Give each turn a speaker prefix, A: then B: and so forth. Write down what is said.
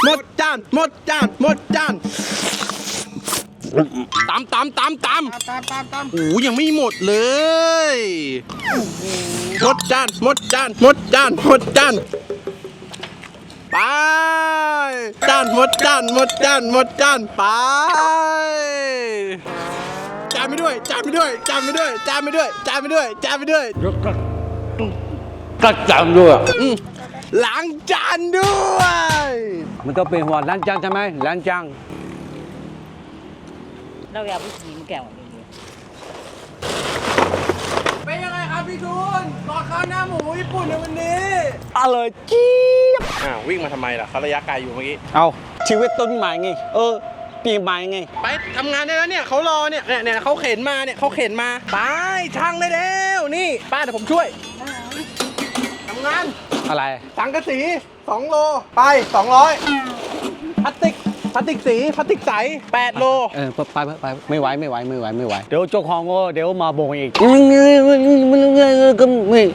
A: หมดจานหมดจานหมดจานตำโอ้ยังไม่หมดเลยหมดจานหมดจานหมดจานหมดจานไปจานหมดจานหมดจานหมดจานไปจานไปด้วยจานไปด้วยจานไปด้วยจานไปด้วยจานไปด้วยจานไปด้วย
B: ก็จำด้วย
A: ล้างจานด้วย
B: มันต้องเป็นหัวล้างจานใช่ไหมล้างจาน
C: เราอยากไปกินแก้วนี่
A: เป็นยังไงครับพี่ทุนรอข้าวหน้าหมูญี่ปุ่นในวันนี้
B: อร่อยจี๊บ
A: วิ่งมาทำไมล่ะเขาระยะไกลอยู่เมื่อกี้
B: เอาชีวิตต้นใหม่ไงปีใหม่ไง
A: ไปทำงานได้แล้วเนี่ยเขารอเนี่ยเขาเข็นมาเนี่ยเขาเข็นมาไปช่างได้แล้วนี่ป้าเดี๋ยวผมช่วยทำงาน
B: อะไร
A: สังกะสี2 โลไป200พลาสติกสีพลาสติกใส8 โล
B: ไปไม่ไหวเดี๋ยวเจ้าของก็เดี๋ยวมาบ่งอีก